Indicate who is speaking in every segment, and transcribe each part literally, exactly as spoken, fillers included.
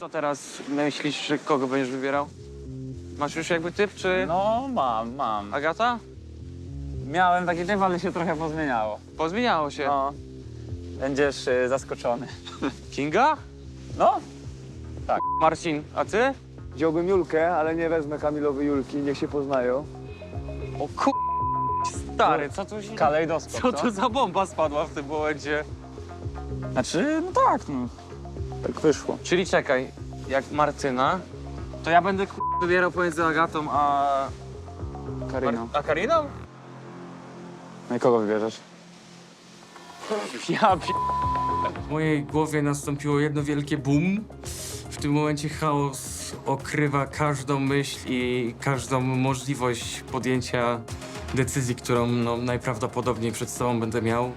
Speaker 1: To teraz myślisz, że kogo będziesz wybierał? Masz już jakby typ, czy
Speaker 2: No, mam, mam.
Speaker 1: Agata?
Speaker 2: Miałem taki typ, ale się trochę pozmieniało.
Speaker 1: Pozmieniało się.
Speaker 2: No. Będziesz y, zaskoczony.
Speaker 1: Kinga?
Speaker 2: No,
Speaker 1: Marcin, a ty?
Speaker 3: Wziąłbym Julkę, ale nie wezmę Kamilowi Julki, niech się poznają.
Speaker 1: O ku... Stary, co tu się...
Speaker 2: kalejdoskop,
Speaker 1: Co to za bomba spadła w tym momencie?
Speaker 2: Znaczy, no tak, no. Tak wyszło.
Speaker 1: Czyli czekaj, jak Martyna, to ja będę ku... wybierał pomiędzy Agatą a...
Speaker 2: Karina.
Speaker 1: A Kariną?
Speaker 2: No i kogo wybierzesz?
Speaker 1: Ja pi...
Speaker 4: W mojej głowie nastąpiło jedno wielkie boom. W tym momencie chaos okrywa każdą myśl i każdą możliwość podjęcia decyzji, którą no, najprawdopodobniej przed sobą będę miał.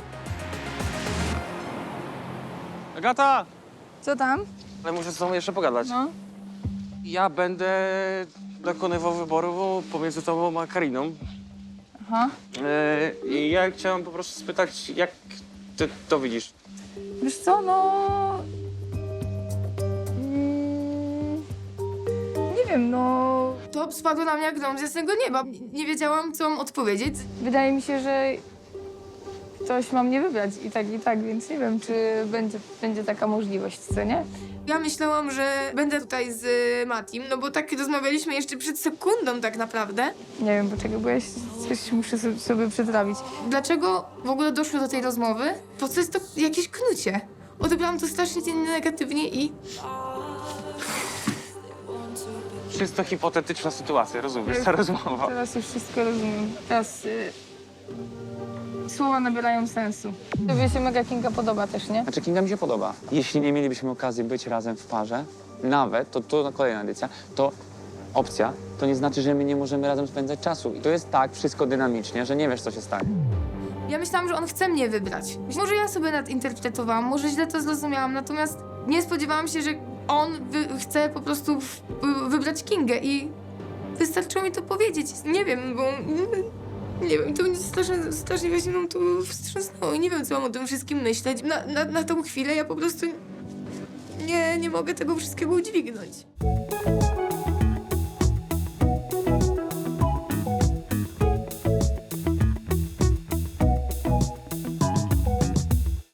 Speaker 1: Agata!
Speaker 5: Co tam?
Speaker 1: Ale muszę z tobą jeszcze pogadać.
Speaker 5: No.
Speaker 1: Ja będę dokonywał wyboru pomiędzy tobą a Kariną.
Speaker 5: Aha.
Speaker 1: Yy, I ja chciałem po prostu spytać, jak ty to widzisz?
Speaker 5: Wiesz co, no... Mm, nie wiem, no...
Speaker 6: To spadło na mnie jak grom z jasnego nieba. Nie wiedziałam, co mam odpowiedzieć.
Speaker 5: Wydaje mi się, że ktoś ma mnie wybrać i tak, i tak, więc nie wiem, czy będzie, będzie taka możliwość, co nie?
Speaker 6: Ja myślałam, że będę tutaj z Matim, no bo tak rozmawialiśmy jeszcze przed sekundą tak naprawdę.
Speaker 5: Nie wiem, poczekaj, bo ja się- coś muszę sobie, sobie przetrawić.
Speaker 6: Dlaczego w ogóle doszło do tej rozmowy? Po co jest to jakieś knucie? Odebrałam to strasznie negatywnie i
Speaker 1: Czysto hipotetyczna sytuacja, rozumiesz, ta rozmowa.
Speaker 5: Teraz już wszystko rozumiem. Teraz y, słowa nabierają sensu. Tobie się mega Kinga podoba też, nie?
Speaker 2: Znaczy, Kinga mi się podoba. Jeśli nie mielibyśmy okazji być razem w parze, nawet, to to kolejna edycja, to opcja, to nie znaczy, że my nie możemy razem spędzać czasu. I to jest tak wszystko dynamicznie, że nie wiesz, co się stanie.
Speaker 6: ja myślałam, że on chce mnie wybrać. Może ja sobie nadinterpretowałam, może źle to zrozumiałam, natomiast nie spodziewałam się, że on wy chce po prostu w wybrać Kingę i wystarczyło mi to powiedzieć. Nie wiem, bo... Nie wiem, to mnie strasznie, strasznie właśnie mną to wstrząsnęło i nie wiem, co mam o tym wszystkim myśleć. Na, na, na tą chwilę ja po prostu nie, nie mogę tego wszystkiego udźwignąć.